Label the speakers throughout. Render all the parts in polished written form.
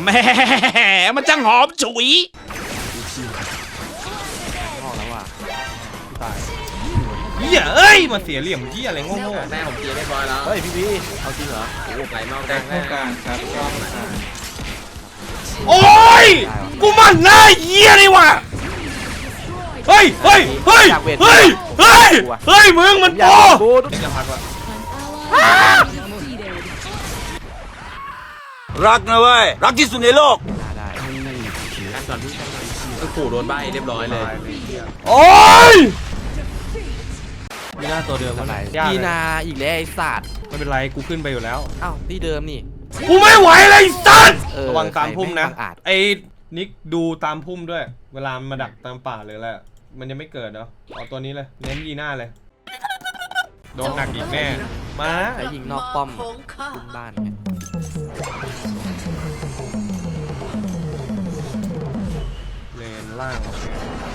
Speaker 1: แหมมันจังหอมฉุย
Speaker 2: ออกแล้วว่ะตาย
Speaker 1: เหี้ยเอ้ยมาเสียเหลี่ยมเหี้ยอะไรโง่
Speaker 3: แม่ผมเคลียร์เรียบร้อยแล้ว
Speaker 2: เฮ้ยพี่เอาจริงเหรอ
Speaker 3: โอ้โหไหลนอกกลาง
Speaker 4: เข้ากลางครับกล้อง
Speaker 1: ๆโอ้ยกูมันหน้าเหี้ยนี่ว่ะเฮ้ยเฮ้ยเฮ้ยเฮ้ยเฮ้ยเฮ้ยมึงมัน
Speaker 2: อย่า
Speaker 1: โอ้
Speaker 2: บูด
Speaker 1: จะพักว่ะ
Speaker 5: รักนะเว้ย รักที่สุดในโลก
Speaker 2: ได้
Speaker 3: การก่อนที่ก็ขู่โดนใบเรียบร้อยเลย
Speaker 1: โอ้ยมีหน้าตัวเดิม
Speaker 2: ทำไม
Speaker 1: ยาก
Speaker 2: ยี
Speaker 1: เลย
Speaker 2: นาอีกแล้วไอ้สัตว์
Speaker 1: ไม่เป็นไรกูขึ้นไปอยู่แล้ว
Speaker 2: อ้าวที่เดิมนี่
Speaker 1: กูไม่ไหวเลยไอ้สัตว์
Speaker 2: เออ
Speaker 1: ระวังตามพุ่มนะ
Speaker 2: ใครแม่งบังอาจ
Speaker 1: ไอ้นิกดูตามพุ่มด้วย เวลามาดักตามป่าเลยแหละมันยังไม่เกิดเนาะเอาตัวนี้เลยเน้นยีหน้าเลยโดนหนักอีกแน่มา
Speaker 2: ใช้ยิงนอกป้อมขึ้นบ้านไง
Speaker 1: เลนล่างโอเค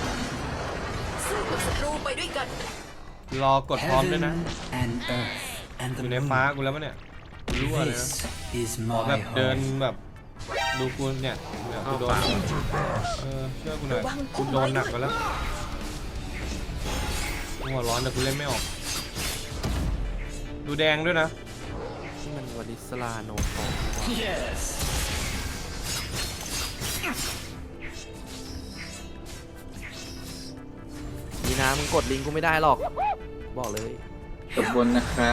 Speaker 6: ศัตรูไปด้วยกัน
Speaker 1: รอกดพร้อมด้วยนะ
Speaker 7: and earth and
Speaker 1: อ
Speaker 7: the
Speaker 1: ยู่ใน
Speaker 7: moon.
Speaker 1: ฟ้ากูแล้วปะเนี่ยกูรู้เลยนะ
Speaker 7: This is
Speaker 1: ขอ
Speaker 7: my
Speaker 1: แบบเดิน
Speaker 7: home.
Speaker 1: แบบดูกูเนี่ยกูโดนเชื่อกูหน่อยกูโดนหนักไปแล้วกูหัวร้อนแต่กูเล่นไม่ออกดูแดงด้วยนะ
Speaker 2: ที่มันวอลิสลาโนโต
Speaker 7: Yes.
Speaker 2: ยีนามึงกดลิงกูไม่ได้หรอกบอกเลย
Speaker 4: จบบนนะครับ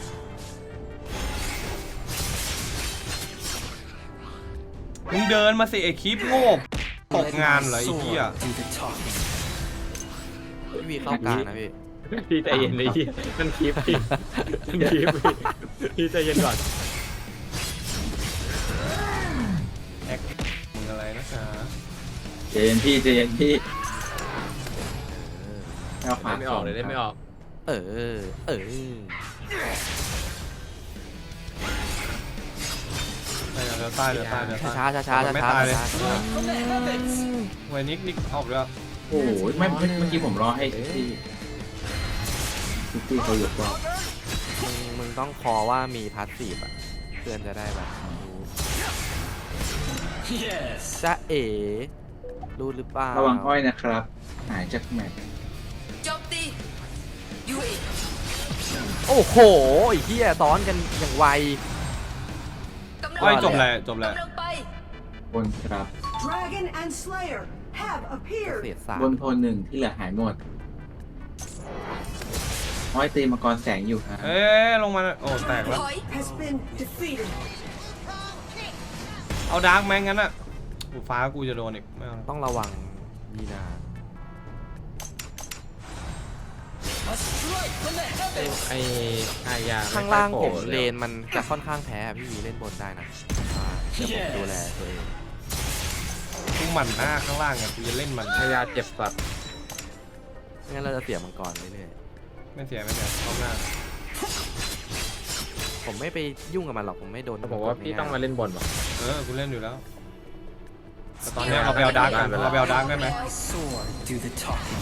Speaker 1: มึงเดินมาสิไอคลิปโง่ตกงานเหรอไอ้เหี้ย
Speaker 7: Do the talking.
Speaker 2: พี่วีเข้ากลางนะพี่
Speaker 3: พี่ใจเย็นเลยมันคลิปพี่มันคลิปพี่ใจเย็นก่อน
Speaker 1: แอคมึงอะไรนะจ๊ะ
Speaker 4: เจนพี่เจนพี่เอาขวา
Speaker 3: ไม่ออกเลยได้ไม่ออก
Speaker 2: เออ
Speaker 1: เดี๋ยวตายเดี๋ยวตายเดี๋ยวตาย
Speaker 2: ช้าช้า
Speaker 1: ไม่
Speaker 2: ช้า
Speaker 1: ตายเลย
Speaker 2: ช้า
Speaker 1: ไว้นิกออกแล้ว
Speaker 4: โอ้โหไม่เมื่อกี้ผมรอให้ที่เขาหยุดว่า
Speaker 2: มึงต้องคอว่ามีพาสซีฟอ่ะเพื่อนจะได้แบบรู้
Speaker 7: Yes.
Speaker 2: จะเอ๋รู้หรือเปล่า
Speaker 4: ระวังอ้อยนะครับ หายจากแมตช์
Speaker 6: โจมตียูเอ
Speaker 2: โอ้โหไอ้เหี้ยซ้อนกันอย่างไว
Speaker 6: กำลัง
Speaker 1: ไว้จบเลยจบเลย
Speaker 6: กำลังไป
Speaker 4: บนครับ
Speaker 8: Dragon and Slayer have
Speaker 2: เศ
Speaker 8: appeared.
Speaker 2: ษสาม
Speaker 4: บนโทนหนึ่งที่เหลือหายหมดอ้อยตีมังกรแสงอยู่ครับ
Speaker 1: เอ๊ะลงมาโอ้แตกแล้ว
Speaker 6: ถอย
Speaker 8: Has been defeated.
Speaker 1: เอาดาร์กแมงงั้นอ่ะกูฟ้ากูจะโดนอีกไม่เอา
Speaker 2: ต้องระวังยีนา
Speaker 3: ไอ้อายา
Speaker 2: ข้างล่างผมเลนมันจะค่อนข้างแพ้พี่วีเล่นบนได้นะเดี๋ยวผมดูแลตัวเอง
Speaker 1: กูหมั่นหน้าข้างล่างอ่ะกูจะเล่นมัน
Speaker 3: อายาเจ็บสัตว์
Speaker 2: ไม่งั้นเราจะเสียมังกรเรื่อย
Speaker 1: ไม่เสียรอบหน้า
Speaker 2: ๆผมไม่ไปยุ่งกับมันหรอกผมไม่โดน
Speaker 3: ผมว่าพี่ต้องมาเล่นบนว่ะ
Speaker 1: กูเล่นอยู่แล้วแต่ตอนนี้เราไปเอาดาร์กกันเราไปเอาดาร์กได้ไหม
Speaker 7: My sword. Do the talking.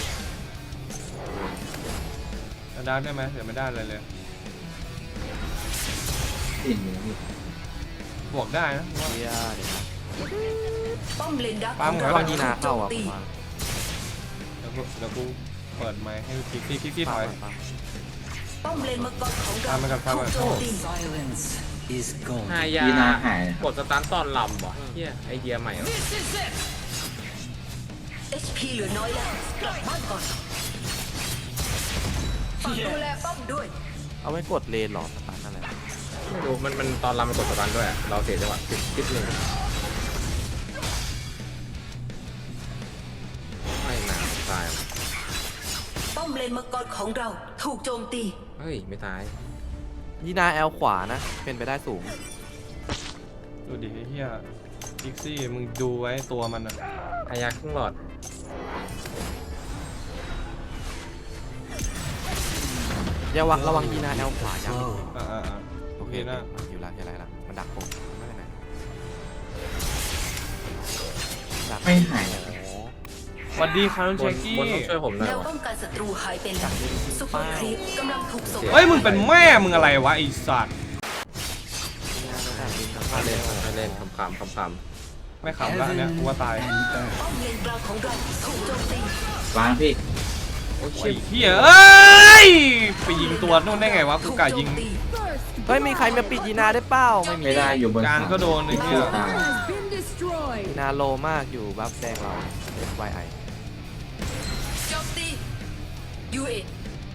Speaker 1: เอาดาร์กได้ไหมเดี๋ยวไม่ได้เลยเลย
Speaker 4: ติ่งอยู่นะพี่
Speaker 1: บวกได้นะว่า
Speaker 2: เหี้ยเดี๋ยวนะ
Speaker 6: ป้อมเลนดัก
Speaker 1: ปั๊ม
Speaker 6: ของ
Speaker 1: ก่อน
Speaker 2: ระวังยีนาเข้าอ่ะ
Speaker 6: โจมตี
Speaker 2: ผมว่า
Speaker 1: เดี๋ยวกูเปิดไมค์ให้คิกซี่ถอย
Speaker 6: ป้อมเลนมังกรของเรา
Speaker 1: ตามไปก่อนตามไปก่อน
Speaker 6: ถูกโจมตี
Speaker 7: Silence is gold.
Speaker 3: อายา
Speaker 4: ยีนาหายนะครับ
Speaker 3: กดสตาร์ทตอนลำว่ะเฮียไอเดียใหม่เหรอ
Speaker 6: HP เหลือน้อยแล้วกลับบ้านก่อนฝากดูแลป้อมด้วย
Speaker 2: เอาไว้กดเลนหรอสตาร์ทนั่นแหละ
Speaker 3: ไม่รู้มันตอนลำมันกดสตาร์ทด้วยอะเราเสียจังหวะคิดเลยไม่หนาวตายว่ะ
Speaker 6: ป้อมเลนมังกรของเราถูกโจมตี
Speaker 3: เฮ้ยไม่ตาย
Speaker 2: ยีนาแอลขวานะเป็นไปได้สูง
Speaker 1: ดูดิไอ้เหี้ยคิกซี่มึงดูไว้ตัวมันอ่ะ
Speaker 3: อายาครึ่งหลอด
Speaker 2: อย่าวังระวังยีนาแอลขวายัง
Speaker 7: Go.
Speaker 1: โอเคนะ
Speaker 2: อยู่แล้วอะไรละมันดักผมไม่เป็นไรดัก
Speaker 4: ไม่หายนะครับ
Speaker 2: โอ้
Speaker 1: สวัสดีครับน้อง
Speaker 3: บ
Speaker 1: เช
Speaker 3: น
Speaker 1: คกี้
Speaker 3: บนต้องช่วยผมหน่อ
Speaker 6: แน
Speaker 3: ยว ว่ะ
Speaker 6: ป้องกันศัตรูหายไปแล้วซุปเปอร์ครีปกำลังถูกส่ง
Speaker 1: เฮ้ยมึงเป็นแม่มึงอะไรวะไอ้สัตว์
Speaker 2: ยีนาไม่ได้ลิงก์
Speaker 3: มาเล่นมาเล่นขำ
Speaker 1: ไม่ขำละอันเนี้ยกูว่าตาย
Speaker 7: and earth.
Speaker 6: ป้อมเลนกลางของเราถูกโจมตี
Speaker 4: วางพี่
Speaker 1: โอ้ยเฮียเอ้ยไปยิงตัวนู่นได้ไงวะกู
Speaker 6: ถูก
Speaker 1: กะ
Speaker 6: โจ
Speaker 1: ยิง
Speaker 6: มตี
Speaker 2: เฮ้ยมีใครมาปิดยีนาได้เปล่าไม่มี
Speaker 4: ไม่ได้อยู่บน
Speaker 1: กลางก็โดนไอ้เหี้ย
Speaker 4: ตาย
Speaker 2: ยีนาโลมากอยู่บัฟแดงเรา FYI
Speaker 6: โจมตียูเอ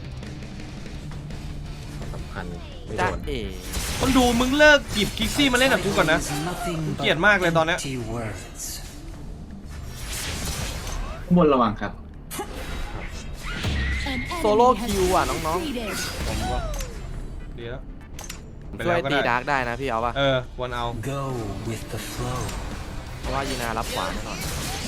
Speaker 3: สำคัญไม่โด
Speaker 2: จ้าน เอ๋
Speaker 1: คนดูมึงเลิกกิบคิกซี่มาเล่นกับกูก่อนนะ
Speaker 7: Is nothing
Speaker 1: เกลียด
Speaker 7: but
Speaker 1: มากเลยตอนเนี้ย
Speaker 7: empty words.
Speaker 4: ข้างบนระวังครับ
Speaker 2: โซโล่คิวอ่ะน้อง
Speaker 1: ผมว่าดีแล้ว
Speaker 2: ๆ
Speaker 1: ไป
Speaker 2: ช่ว
Speaker 1: แล้
Speaker 2: ยว
Speaker 1: ก็
Speaker 2: ตี
Speaker 1: ได้
Speaker 2: ดาร์กได้นะพี่เอาป่ะ
Speaker 1: เออควรเอา
Speaker 7: Go with the flow.
Speaker 2: เพราะว่ายีนารับขวาแน่นอน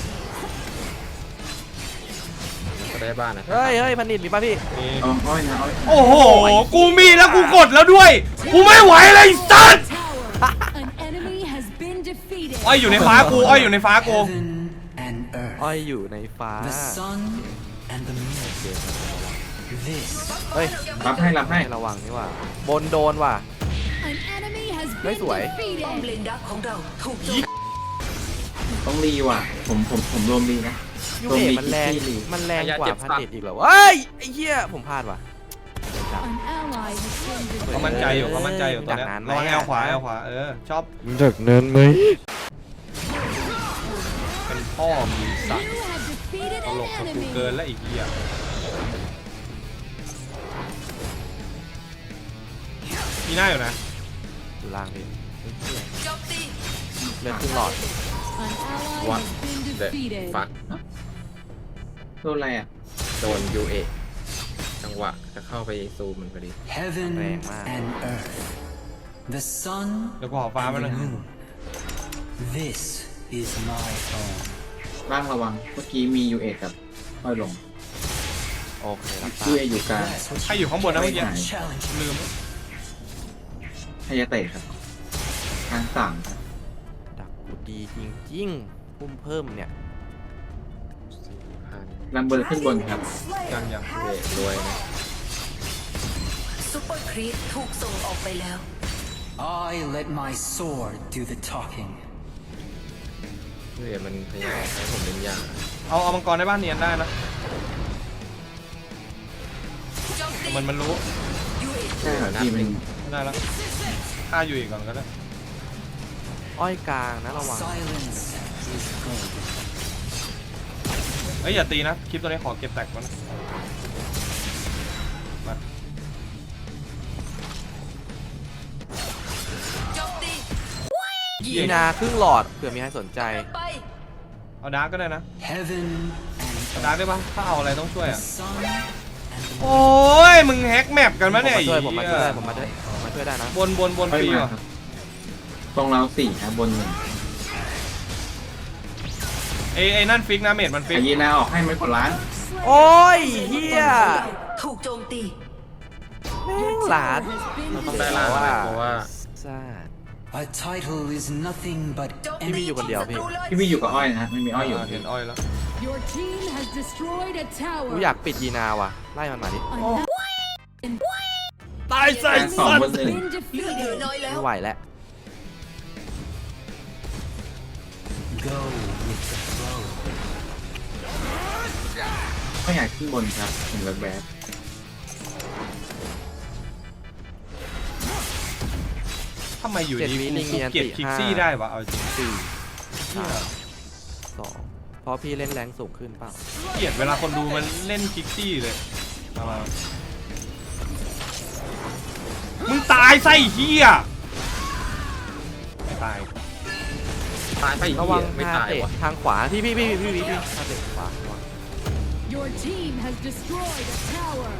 Speaker 3: ก็ได้บ้านนะ
Speaker 2: เฮ้ยพันนิดมีป่ะพี่
Speaker 1: นี่
Speaker 4: เอาอ้อยนะอ้อย
Speaker 1: โอ้โห กูมีแล้วกูกดแล้วด้วย กูไม่ไหวเลยไอ้สัส
Speaker 9: An enemy has been defeated.
Speaker 1: อ้อยอยู่ในฟ้ากูอ้อยอยู่ในฟ้ากู
Speaker 7: Heaven and earth.
Speaker 2: อ้อยอยู่ในฟ้า
Speaker 7: The sun and the moon. This
Speaker 2: เฮ้ย
Speaker 4: รับให้รับให้
Speaker 2: ให้ระวังนี่ว่าบนโดนว่ะ
Speaker 9: An enemy has
Speaker 2: Đấy,
Speaker 9: been
Speaker 2: tuổi.
Speaker 6: ป้อม
Speaker 9: defeated.
Speaker 6: เลนดักของเราถูกโจมตี
Speaker 4: ต้องรีว่ะผมรวมรีนะ
Speaker 2: ยู
Speaker 4: รวม
Speaker 2: เอ
Speaker 4: รี
Speaker 2: มันแรง
Speaker 4: ที่รี
Speaker 2: มันแรงกว่าพันนิดอีกเหรอเฮ้ยไอ้เหี้ยผมพลาดว่ะ
Speaker 9: An ally has been defeated.
Speaker 1: เขามั่นใจอยู่เขามั่นใจอยู่ตัวเนี้ย
Speaker 2: ดักนานไหม
Speaker 1: ระวังแอลขวาแอลขวาชอบ
Speaker 2: ดักนานไหม
Speaker 1: เป็นพ่อมีสัตว์
Speaker 9: You have defeated
Speaker 1: ต
Speaker 9: an
Speaker 1: ลกกับกู
Speaker 9: enemy.
Speaker 1: เกินแล้วอีกเหี้ยมีหน้าอยู่นะ
Speaker 2: อยู่ล่างพี่
Speaker 6: โจมตี
Speaker 2: เลือดครึ่งหลอด
Speaker 9: An ally
Speaker 3: What?
Speaker 9: has been
Speaker 3: เด็ด
Speaker 9: defeated.
Speaker 3: ฟัก
Speaker 4: โดนอะไรอ่ะ
Speaker 3: โดนยูเอจังหวะจะเข้าไปซูมมันพอดี
Speaker 7: heaven
Speaker 2: Rèn mà.
Speaker 7: and earth. The sun
Speaker 1: เดี๋ยวกูขอฟ้ามา
Speaker 7: and
Speaker 1: หน่อย
Speaker 7: the moon. This is my home.
Speaker 4: บ้างระวังเมื่อกี้มียูเอกับอ้อยลง
Speaker 2: โอเครับทรา
Speaker 4: ยู
Speaker 2: บ
Speaker 4: เออยู่กลาง
Speaker 7: That's what
Speaker 1: ใครอยู่ข้างบนนะเมื่อกี้
Speaker 7: challenge.
Speaker 1: ลืม
Speaker 4: ไฮยาเตะครับทางสั่งครับ
Speaker 2: ดักกูดีจริงๆพุ่มเพิ่มเนี่ย
Speaker 4: ลำเบอร์ขึ้นบนครับ
Speaker 1: ยัง
Speaker 3: ยูเอรวยนะ
Speaker 6: ซุปเปอร์ครีปถูกส่งออกไปแล้ว
Speaker 7: I let my sword do the talking.
Speaker 3: ยูเอมันพยายามให้ผมเป็นยา
Speaker 1: เอามังกรในบ้านเนียนได้นะ
Speaker 6: โจมตี
Speaker 1: แต่มันรู้
Speaker 6: ยูเอ
Speaker 4: ใช่ครับพี่มัน
Speaker 1: ไม่ได้แล้วฆ่าอยู่อีกก่อนก็ได้
Speaker 2: อ้อยกลางนะระวัง
Speaker 7: Silence is gold.
Speaker 1: เอ้ยอย่าตีนะคลิปตัวนี้ขอเก็บแตกก่อนนะมา
Speaker 6: โจมตี
Speaker 2: ยีนาครึ่งหลอดเผื่อมีใครสนใจ
Speaker 6: ไป
Speaker 1: เอาดาร์กก็ได้นะ
Speaker 7: Heaven
Speaker 1: เอา
Speaker 7: and
Speaker 1: ดาร์กได้ปะถ้าเอาอะไรต้องช่วย
Speaker 7: the
Speaker 1: อ่ะ
Speaker 7: sun and the
Speaker 1: โอ้ยมึงแฮกแมปกันมะเนี่ย
Speaker 2: ผมมาช่วยผมมาช่วยได้นะ
Speaker 1: บน
Speaker 4: อ้อย
Speaker 1: ฟรี
Speaker 4: มา
Speaker 1: ว่ะ
Speaker 4: ครับตรงเราสี่ครับบนหนึ่ง
Speaker 1: ไอ้นั่นฟิกนะเมดมันฟิ
Speaker 4: ไอก ยีนาออกให้ไม่กดล้าง
Speaker 2: โอ้ยเฮีย
Speaker 6: ถูกโจมตี
Speaker 2: แม่งหลาด
Speaker 3: เราต้องได้ล้านเลยเพราะว่า
Speaker 2: ซ่า
Speaker 7: A title is nothing but
Speaker 6: โจม
Speaker 2: พี่
Speaker 6: ตี
Speaker 2: มีอยู่คนเดียวพี่
Speaker 6: ศัตรูเลย
Speaker 4: พี่วีอยู่กับอ้อยนะฮะไม่มีอ้อยอยู่
Speaker 1: เห็นอ้อยแล้ว
Speaker 9: Your team has destroyed a
Speaker 2: กู
Speaker 9: tower.
Speaker 2: อยากปิดยีนาว่ะไล่มันมาดิ
Speaker 9: An
Speaker 1: ตายใส่
Speaker 4: การสองบนหนึ่ง
Speaker 9: been
Speaker 6: เลือดเหลือ
Speaker 9: defeated.
Speaker 6: น้อยแล้ว
Speaker 2: ไม่ไหวแล้ว
Speaker 7: go with the flow.
Speaker 4: ก็อยากขึ้นบนครับเห็นแบบ
Speaker 1: ทำไมอยู่ดี
Speaker 2: 7 วิลิง
Speaker 1: กู
Speaker 2: มีอัน
Speaker 1: เก็บ
Speaker 2: ติ
Speaker 1: คิก
Speaker 2: 5
Speaker 1: ซี่ได้วะเอาจริง
Speaker 2: 4 3 2เพราะพี่เล่นแรงสูงขึ้นเปล่า
Speaker 1: เกลียดเวลาคนดูมันเล่นคิกซี่เลยเอามามึงตายไส้เฮียไม่ตาย
Speaker 3: ตายไปอีก
Speaker 2: ระวัง
Speaker 3: ไม่
Speaker 2: ฮา
Speaker 3: ตาย
Speaker 2: เตะ
Speaker 3: ว่ะ
Speaker 2: ทางขวาพี่ฮาเตะขวาระวัง
Speaker 9: Your team has destroyed a tower.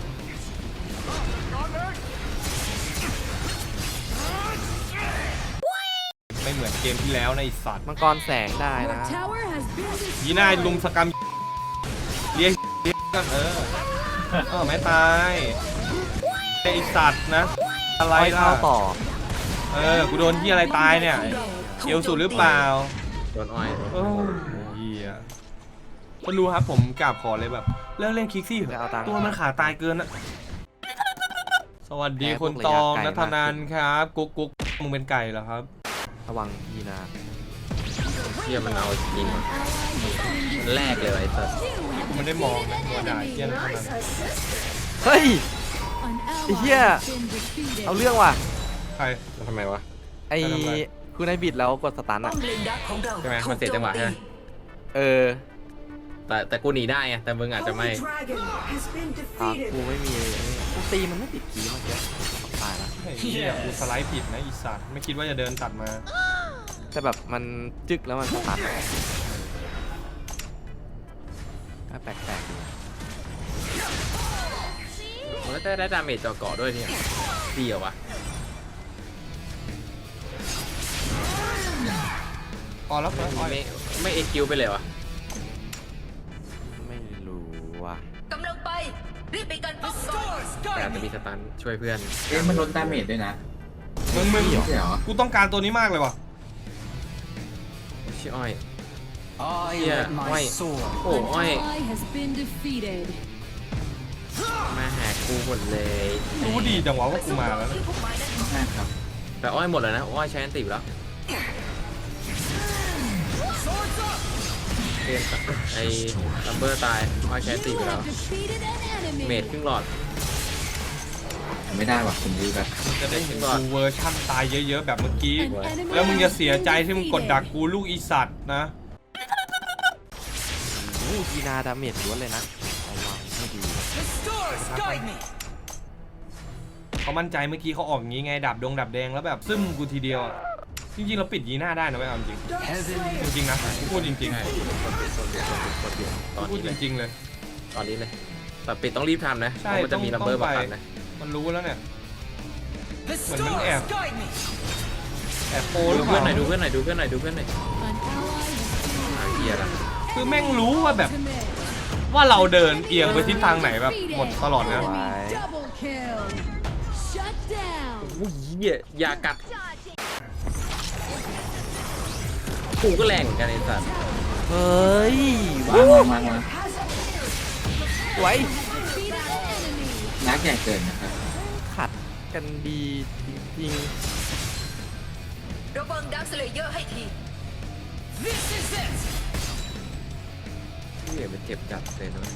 Speaker 1: ไม่เหมือนเกมที่แล้วในะไอ้สัตว์
Speaker 2: มังกรแสงได้
Speaker 9: Your
Speaker 2: นะ
Speaker 9: tower has been
Speaker 1: ยีน่า
Speaker 9: destroyed.
Speaker 1: ลุมสกรรมเลี้ยงกันไม่ตายไอสัตว์นะอะไร
Speaker 2: ไล่
Speaker 1: ล่ะ
Speaker 2: เข้าต่อ
Speaker 1: กูโดนที่อะไรตายเนี่ยเอวสุดหรือเปล่า
Speaker 3: โดนอ้อย
Speaker 1: โอ้เหี้ยคนดูครับผมกราบขอเลยแบบเลิกเล่นคิกซี่เถ
Speaker 2: จะเอาตั
Speaker 1: อะ
Speaker 2: งค์
Speaker 1: ตัวมันขาตายเกินอะสวัสดี
Speaker 2: แพ้พ
Speaker 1: คุ
Speaker 2: ว
Speaker 1: ณ
Speaker 2: ก
Speaker 1: ตอง
Speaker 2: ระยะไกล
Speaker 1: นัทนันครับกุ๊กมึงเป็นไก่เหรอครับ
Speaker 2: ระวังยีนา
Speaker 3: เชี่ยมันเอาจริงว่ะมันแรกเลยไอ้สัส
Speaker 1: กูไม่ได้มองนะตัวด่าเหี้ยนะเท่านั้น
Speaker 2: เฮ้ย
Speaker 9: An ally
Speaker 2: Yeah.
Speaker 9: has been defeated.
Speaker 2: เอาเรื่องว่ะ
Speaker 1: ใคร
Speaker 3: แล้วทำไมวะ
Speaker 2: ไอ้คือในบิดแล้วกดสตัน
Speaker 6: ป้
Speaker 2: อ่ะ
Speaker 6: อมเลนดักของเรา
Speaker 3: ใช่ไหม
Speaker 6: ถู
Speaker 3: มัน
Speaker 6: ก
Speaker 3: เสีย
Speaker 6: โจ
Speaker 3: จังห
Speaker 6: ม
Speaker 3: วะ
Speaker 6: ตี
Speaker 3: ใช่ไหม
Speaker 2: เออ
Speaker 3: แต่กูหนีได้ไงแต่มึงอาจจะไม่
Speaker 8: Holy Dragon has been
Speaker 2: กู
Speaker 8: defeated.
Speaker 2: ไม่มีกูตีมันไม่ติดกีเมื่อกี้ตายละ
Speaker 1: ไอ้เหี้ยกูสไลด์ผิดนะอีสัตว์ไม่คิดว่าจะเดินตัดมา
Speaker 2: แต่แบบมันจึกแล้วมันสตันก็แปลกๆดี
Speaker 3: มันก็ได้ดาเมจจอเกาะด้วยเนี่ยดีเหรอวะ
Speaker 1: พอแล้วเฟิร์สอ้อย
Speaker 3: ไม่เอคิวไปเลยวะ
Speaker 2: ไม่รู้ว่ะ
Speaker 6: กำลังไป รีบไปกันป้อมก่อน
Speaker 3: แต่อาจจะมีสตันช่วยเพื่อน
Speaker 4: เอ๊ะมันลดดาเมจด้วยนะ
Speaker 1: มึง
Speaker 4: ไม่ใช่เหรอ
Speaker 1: กูต้องการตัวนี้มากเลยว่ะ
Speaker 3: ชื่ออ้อย
Speaker 7: I
Speaker 3: Yeah,
Speaker 7: let my
Speaker 3: wait.
Speaker 7: sword
Speaker 3: โอ้
Speaker 9: An
Speaker 3: อ้อย
Speaker 9: ally has been defeated.
Speaker 3: มาแหกกูหมดเลย
Speaker 1: รู้ดีจังวะว่ากูมาแล้วนะ
Speaker 6: ที่พุ่มไม้นั้น
Speaker 4: ใช่ครับ
Speaker 3: แต่อ้อยหมดแล้วนะอ้อยใช้อันติแล้วเกมไอ้ลัมเบอร์ตายอ้อยใช้อันติ
Speaker 9: You
Speaker 3: ไปแล้ว
Speaker 9: have defeated an
Speaker 3: เมด
Speaker 9: enemy.
Speaker 3: ครึ่งหลอด
Speaker 4: ไม่ได้ว่ะผมดูแบบ
Speaker 1: จะได้เห็นกูเวอร์ชั่นตายเยอะๆแบบเมื่อกี้
Speaker 9: An enemy
Speaker 1: แล้วมึงจะเสียใจ
Speaker 9: has
Speaker 1: ที่
Speaker 9: been
Speaker 1: มึงกดดัก
Speaker 9: defeated.
Speaker 1: กูลูกอีสัตว์นะ
Speaker 2: ยีนาดาเมจล้วนเลยนะระวังให้ดี
Speaker 1: เขามั่นใจเมื่อกี้เขาออกอย่างงี้ไงดับดงดับแดงแล้วแบบซึมกูทีเดียวอะจริงๆเราปิดยีหน้าได้นะเว้ยเอาจริง
Speaker 7: heaven
Speaker 1: จริงๆนะพูดจริง
Speaker 3: ใช่ตอน
Speaker 1: ๆพูด
Speaker 3: นี้
Speaker 1: จ
Speaker 3: เลย
Speaker 1: ริงๆเลย
Speaker 3: ตอนนี้เลยแต่ปิดต้องรีบทำนะเพ
Speaker 1: ใช่
Speaker 3: ราะมันจะมีลัมเบอร์มาตัดนะ
Speaker 1: มันรู้แล้วเนี่ยเหมือนมันแอบโปห
Speaker 3: ดู
Speaker 1: รือเป
Speaker 3: เพื่อน
Speaker 1: ล่า
Speaker 3: หน่อยดูเพื่อนหน่อยดูเพื่อนหน่อยดูเพื่อนหน่อย
Speaker 9: An ally
Speaker 3: เฮียละ
Speaker 1: คือแม่งรู้ว่าแบบ
Speaker 9: has been defeated.
Speaker 1: ว่าเราเดินเอียงไปทิศทางไหนแบบหมดตลอดนะ
Speaker 9: Enemy double kill. Shut down.
Speaker 3: อุ้ยเฮียอย่ากัดกูก็แรงเหมือนกันไอ้สัส
Speaker 2: เฮ้ย
Speaker 4: มา
Speaker 2: สวย
Speaker 9: Defeated an enemy.
Speaker 4: นักใหญ่เกินนะครับ
Speaker 2: ขัดกันดีจริง
Speaker 6: ระวังดักสเลเยอร์ให้ที
Speaker 3: เฮียมันเจ็บจัดเลยนะ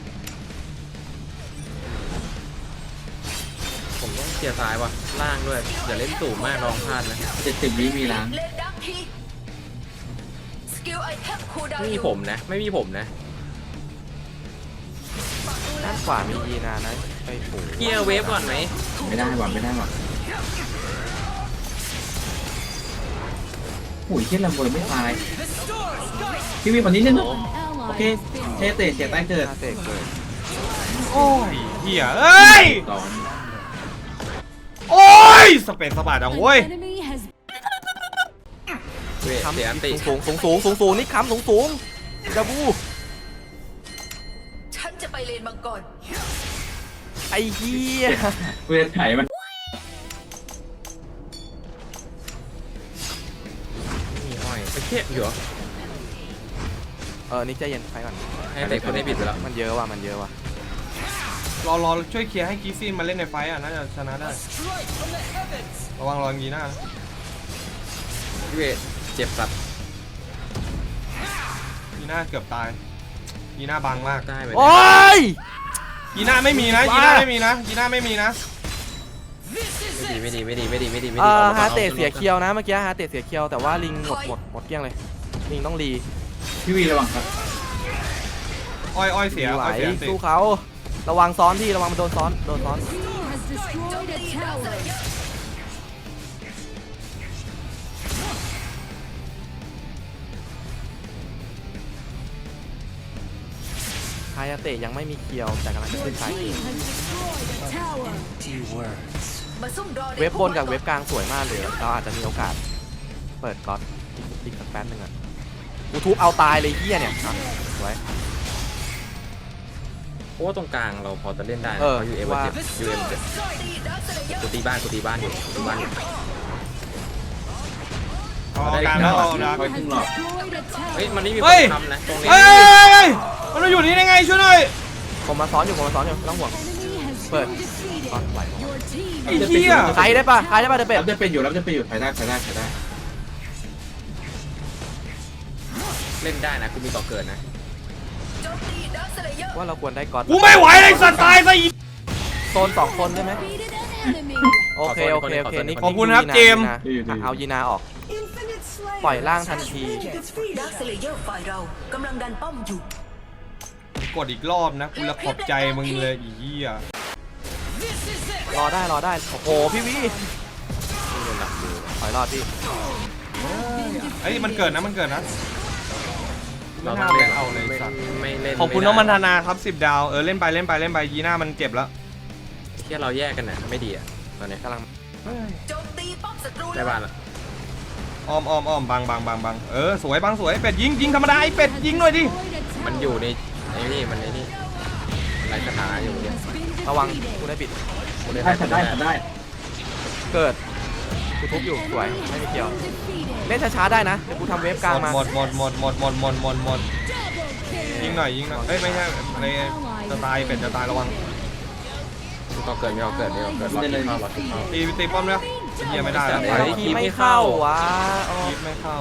Speaker 3: ผมต้องเคลียร์ซ้ายว่ะล่างด้วยอย่าเล่นสูงมากลองพลาดนะ
Speaker 4: 70วิมีล้าง
Speaker 6: เลนดักทีสกิลไอเทมคูลดาว
Speaker 3: ไม่
Speaker 6: น์
Speaker 3: มี
Speaker 6: อยู่
Speaker 3: ผมนะไม่มีผมนะ
Speaker 2: ด้านขวามียีนานะไปโผล่
Speaker 3: เคลียร์เวฟก่อนไหม
Speaker 4: ไม่ได้ว่ะไม่ได้ว่ะโอ้ยเฮียลำเบอร์ไม่ตายพี่วีคนนี้เนี่ย
Speaker 9: An
Speaker 4: โอ
Speaker 9: ally
Speaker 4: เค
Speaker 9: has been
Speaker 4: เชเตะเสียใต้เกิด
Speaker 2: หน้าเตะเกิด
Speaker 1: โอ้ยเหี้ยเอ้ย
Speaker 4: ตอน
Speaker 1: โอ้ยสเปนสปาดัง
Speaker 9: An
Speaker 1: เว้ย
Speaker 9: enemy has
Speaker 3: เวฟ
Speaker 2: คำ
Speaker 3: เสียอันติ
Speaker 2: สูงนี่คำสูงดับบู
Speaker 6: ฉันจะไปเลนมังกร
Speaker 2: ไอ้เหี้ย
Speaker 4: เวทไถมัน
Speaker 3: มีอ้อยไปเทียบอยู่เหรอ
Speaker 2: นี่ใจเย็นไปก่อน
Speaker 3: ให้เด็กคนนี้ปิดไปแล้ว
Speaker 2: มันเยอะว่ะมันเยอะว่ะ
Speaker 1: รอช่วยเคลียร์ให้กีซี่มาเล่นในไฟต์อ่ะน่าจะชนะได้ระวังรองยีหน้านะ
Speaker 3: พี่เวทเจ็บสัตว์
Speaker 1: ยีหน้าเกือบตายยีหน้าบางมาก
Speaker 3: ได้ไหม
Speaker 2: โอ้ย
Speaker 1: ยีหน้าไม่มีนะยีหน้าไม่มีนะยีหน้าไม่มีนะ
Speaker 3: ไม่ดี
Speaker 2: ฮาเตะเสียเคียวนะเมื่อกี้ฮาเตะเสียเคียวแต่ว่าลิงหมดเกลี้ยงเลยลิงต้องรี
Speaker 4: พี่วีระวังครับ
Speaker 1: อ้อยเสีย
Speaker 2: ไหว
Speaker 1: อ้อยเสียสิ
Speaker 2: สู้เขาระวังซ้อนที่ระวังมันโดนซ้อน
Speaker 9: team has destroyed a tower.
Speaker 2: ฮายาเตะยังไม่มีเคียวแต่กำลังจะ
Speaker 9: Your
Speaker 2: ขึ้นสาย
Speaker 9: team has destroyed a tower.
Speaker 7: empty words
Speaker 6: มาซุ่มรอใน
Speaker 2: เว็บบนกับ
Speaker 6: พุ่มไม้
Speaker 2: เว็บกลางสวยมากเลยเราอาจจะมีโอกาสเปิดก๊อตอีกสักแป๊บนึงอ่ะกูทุบเอาตายเลยเฮียเนี่ยอ่ะสวย
Speaker 3: เพราะว่าตรงกลางเราพอจะเล่นได้นะ
Speaker 2: เออ
Speaker 3: เพราะยูเอ็ม
Speaker 2: ว่า
Speaker 3: เจ็บยูเอ็มเจ็บ
Speaker 6: ตีดักสเลเยอร์
Speaker 3: กูตีบ้านอยู่
Speaker 1: เอาการแล้วเอาดัก
Speaker 4: คอยครึ่งหลอด
Speaker 9: Destroyed a
Speaker 3: เฮ้ย
Speaker 9: tower.
Speaker 3: มันไม่มีค
Speaker 1: เฮ้
Speaker 3: น
Speaker 1: ย
Speaker 3: ทำนะตรงนี้
Speaker 1: เฮ้ยมันมาอยู่นี่ได้ไงช่วยหน่อย
Speaker 2: ผมมาซ้อนอยู่ไม่ต้องห่วง
Speaker 9: Enemy has
Speaker 2: But-
Speaker 9: been defeated.
Speaker 2: ซ้อนไหว
Speaker 9: Your team
Speaker 1: ไอ้เหี้ย
Speaker 2: ใครได้ปะเดอะเป็ด
Speaker 4: รับจะเป็นอยู่เดี๋ยวไปได้
Speaker 3: เล่นได้นะกูมีต่อเกิดนะ
Speaker 6: โจมตีดักสเลเยอร์
Speaker 2: ว่าเราควรได้ก๊อต
Speaker 1: กูไม่ไหวเลยสัตว์ตายซะอีก
Speaker 2: โซน2 คนได้ไหม
Speaker 9: Defeated an enemy.
Speaker 2: โอเคโอเคโอเคนี่
Speaker 1: ขอบคุณครับเจมส์
Speaker 2: เอายีนาออก
Speaker 8: Infinite Slayer
Speaker 2: ปล่อยร่างทันที
Speaker 8: defeated.
Speaker 6: ดักสเลเยอร์ฝ่ายเรากำลังดันป้อมอยู่
Speaker 1: กดอีกรอบนะกูละขอบใจมึงเลยอีเหี้ย
Speaker 2: รอได้โอ้โหพี่วีถอยรอดพี่
Speaker 1: เอ้ยมันเกิดนะไม่น่าเลยเอาเลยสัตว์
Speaker 3: ไม่เล่น
Speaker 1: ขอบคุณน้องมันธนาครับ10 ดาวเล่นไปยีน่ามันเจ็บแล้ว
Speaker 3: ที่เราแยกกันนะไม่ดีอ่ะตอนนี้
Speaker 2: กำลัง
Speaker 6: โจมตีป้อมศัตรู
Speaker 3: ได้บ้านละ
Speaker 1: อ้อมบังสวยเป็ดยิงธรรมดาไอ้เป็ดยิงหน่อยดิ
Speaker 9: Destroyed a
Speaker 3: มัน
Speaker 9: tower.
Speaker 3: อยู่ในไอ้นี่มันไอ้นี่มันไรคาถาอยู่เนี่ย
Speaker 9: Has been
Speaker 2: ระวัง
Speaker 9: defeated.
Speaker 2: กูได้ปิด
Speaker 3: กูเลย
Speaker 4: ได้ได้ได้
Speaker 2: เกิดกูทุบอยู่สวยไม่มีเกี่ยว
Speaker 9: Defeated.
Speaker 2: เล่นช้าๆได้นะเดี๋ยวกูทำเวฟกลางมา
Speaker 1: หมด
Speaker 9: Double
Speaker 1: ยิง
Speaker 9: kill.
Speaker 1: หน่อยเอ้ยไม่ใช่ในจะตายเป็ดจะตายระวัง
Speaker 3: ต่อเกิดไม่เอาเกิดรอเข้ารอเข้า
Speaker 1: ตีป้อมแล้วเหี้ยไม่ได้แล้ว
Speaker 3: เฮ้ย
Speaker 2: ทีไม่เข้าวะอ๋อ
Speaker 1: คีบไม่เข้า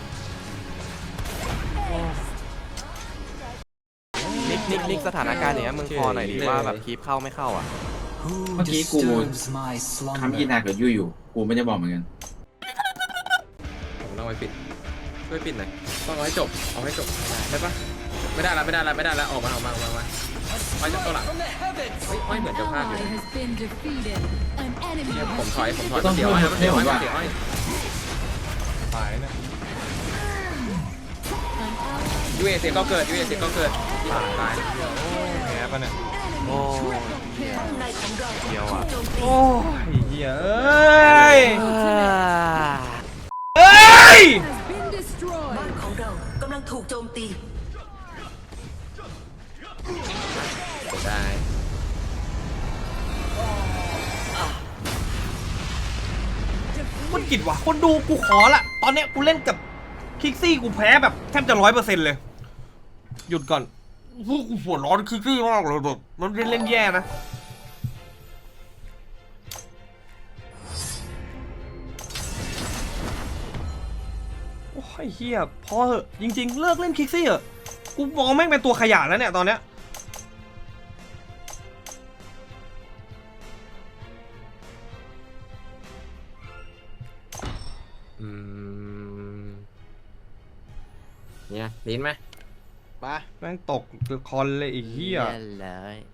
Speaker 2: นิกสถานการณ์อย่างเงี้ยมึงพอหน่อยดิว่าแบบคีปเข้าไม่เข้าอ่ะ
Speaker 7: Who
Speaker 4: มื่อกี้กู
Speaker 7: disturbs my
Speaker 4: ทำยี
Speaker 7: slumber?
Speaker 4: นากับยูอยู่กูไม่ได้บอกเหมือนกัน
Speaker 3: ผมต้องไปปิดช่วยปิดหน่อยต้องเอาให้จบได้ปะไม่ได้ละออกมาไปจากตัวหลังไม่เหมือนจะพลาด
Speaker 9: Ally
Speaker 3: อยู่
Speaker 9: has been defeated. An enemy
Speaker 3: ผมถอย
Speaker 9: has
Speaker 3: เดี๋ยวอ้อย
Speaker 1: ตายเนี่ย
Speaker 9: an ally
Speaker 3: ยูเอเสียก็เกิดตาย
Speaker 1: แพ้ปะเนี่ย
Speaker 2: โอ้
Speaker 6: ป้อมในของเรา
Speaker 2: เดียวอ่ะ
Speaker 6: โจมตี
Speaker 1: โอ้ยเหี้ยเอ้ยเอ้ย
Speaker 9: has been destroyed.
Speaker 6: บ้านของเรากำลังถูกโจมตี
Speaker 3: ได้
Speaker 1: คนกิดว่ะคนดูกูขอละตอนเนี้ยกูเล่นกับคิกซี่กูแพ้แบบแทบจะ100%เลยหยุดก่อนพวกกูปวดร้อนคิกซี่มากเลยแบบมันเล่นแย่นะโอ้ยเฮียพอเหอะจริงๆเลิกเล่นคิกซี่เหอะกูมองแม่งเป็นตัวขยะแล้วเนี่ยตอนเนี้ย
Speaker 3: เนี่ยลิ้นไหม
Speaker 2: มา
Speaker 1: แม่งตกคอนเลยไอ้เหี้ย
Speaker 2: เลย